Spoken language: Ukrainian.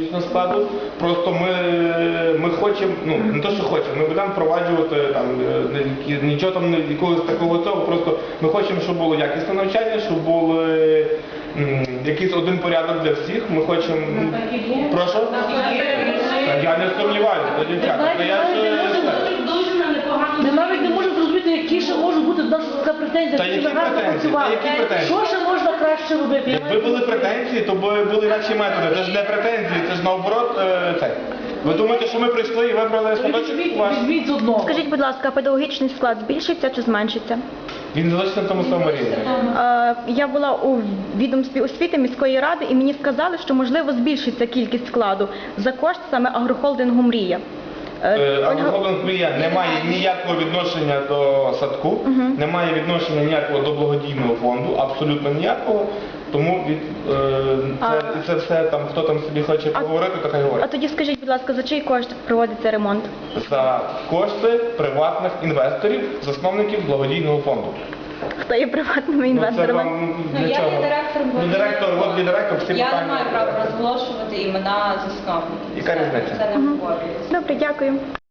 технологічного складу. Просто ми хочемо, ну не то, що хочемо, ми будемо впроваджувати там нічого там якогось такого цього. Просто ми хочемо, щоб було якісне навчання, щоб було якийсь один порядок для всіх. Ми хочемо. Прошу? Я не сумніваюся, дівчата. Ми навіть не можемо зрозуміти, які ще можуть бути до нас претензії. Та які претензії? Що ще можна краще робити? Якби були претензії, то були інакші методи. Це ж не претензії, це ж наоборот це. Ви думаєте, що ми прийшли і вибрали садочок ваш? Візьміть з одного. Скажіть, будь ласка, педагогічний склад збільшиться чи зменшиться? Він залишиться на тому самому рівні. Я була у відомстві освіти міської ради і мені сказали, що можливо збільшиться кількість складу за кошт саме агрохолдингу «Мрія». Агрохолдинг «Мрія» не має ніякого відношення до садку, не має відношення ніякого до благодійного фонду, абсолютно ніякого. Тому це все там, хто там собі хоче поговорити, то хай говорить. А тоді скажіть, будь ласка, за чий кошт проводиться ремонт? За кошти приватних інвесторів, засновників благодійного фонду. Хто є приватними інвесторами? Для чого? Я є директором. От є директор, всі питання. Я не маю права розголошувати імена засновників. Яка різниця? Це не обговорюється. Добре, дякую.